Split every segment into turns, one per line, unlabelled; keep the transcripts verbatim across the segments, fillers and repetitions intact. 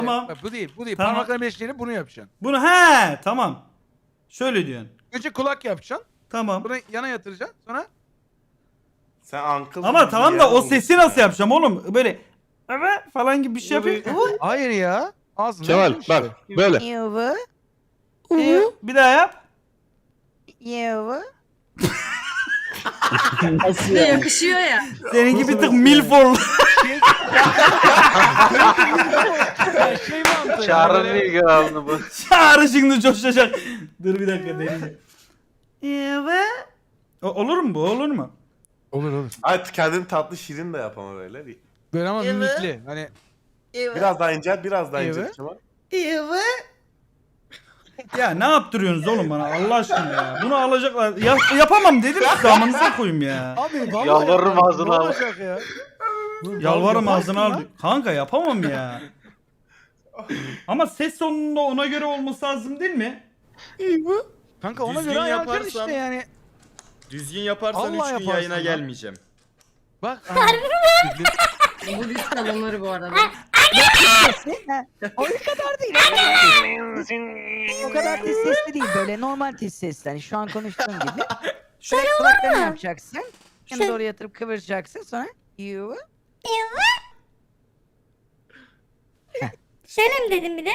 Tamam.
Bak, bu değil, bu değil.
Tamam.
Parmaklarını birleştirip bunu yapacaksın.
Bunu he tamam. Şöyle diyorsun.
Önce kulak yapacaksın.
Tamam.
Bunu yana yatıracaksın. Sonra
Sen uncle
Ama
gibi
tamam
bir
da
yer
o sesi
olmuşsun
nasıl
ya.
yapacağım oğlum? Böyle evet falan gibi bir şey yapayım.
hayır ya. Ağzına
Kemal
yapıyorsun
bak
işte.
böyle.
Yuva.
Ee, bir daha yap.
Yuva.
Bir de yakışıyor ya.
Seninki bir tık milf oldu.
Ya şey mantığı.
Çağrı'nın
böyle-
ilgi alanı bu.
Çağrı şimdi coşacak. Dur bir dakika deneyeceğim. Evet. O- Olur mu bu? Olur mu?
Olur olur.
Hadi kendin tatlı şirin de yap ama böyle. Bir-
Böyle ama
Evet.
mimikli. Hani
Biraz daha incel, biraz daha incel.
Evet.
Kemal.
Yuva.
Ya ne yaptırıyorsunuz oğlum bana Allah aşkına ya. Bunu alacaklar. Ya, yapamam dedim size amanıza koyayım ya.
abi vallahi
Yalvarırım
yapma,
ağzına
ne
al.
olacak ya? Dur,
Yalvarırım
yaparsın
ağzına al.
lan.
Kanka yapamam ya. Ama ses tonunda ona göre olması lazım değil mi?
Kanka ona
Düzgün
göre ayarlayacaksın
yaparsan-
işte yani.
Düzgün yaparsan
Allah
üç gün
yaparsın
yayına
lan.
gelmeyeceğim.
Bak.
Bu liste alınır bu arada.
O kadar değil. O kadar tiz sesli değil. Böyle normal tiz sesli. Hani şu an konuştuğum gibi. Şöyle kulaklarını yapacaksın. Şimdi doğru yatırıp kıvıracaksın. Sonra yuva.
Şöyle mi dedim bir de?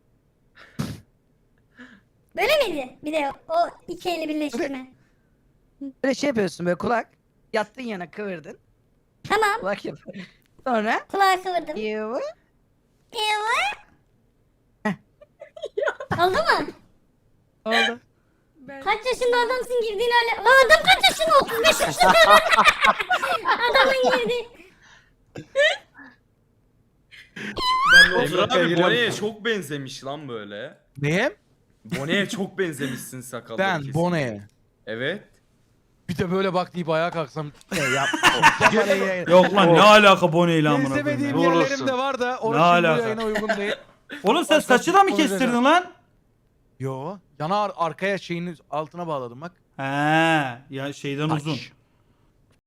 Böyle miydi? Bir de o iki eli birleştirme.
Böyle şey yapıyorsun böyle kulak. Yattığın yana kıvırdın.
Tamam.
Kulak yap. Sonra
Kulağı kıvırdım.
yuva.
Evet. Oldu mu?
Oldu.
Kaç yaşında adamsın girdiğin hale. Lan adam kaç yaşında? otuz beş yaşında. Adamın girdi.
Emre abi Bone'ye çok benzemiş lan böyle.
Neye?
Bone'ye çok benzemişsin sakallı.
Ben
kesin.
Bone'ye.
Evet.
Bir de böyle bak deyip ayağa kalksam. Ne yapma.
Yok lan ne alaka Bonnie ile amına koyayım.
Benzemediğim
ya.
Ne
yerlerim
olursun.
de var da
Ne
orası şimdi
alaka?
bu yayına uygun değil.
Oğlum sen
Başka
saçı da mı
bir
kestirdin
konuşacağım.
lan?
Yo. Yana ar- arkaya şeyini altına bağladım bak.
He, ya şeyden uzun.
Taş.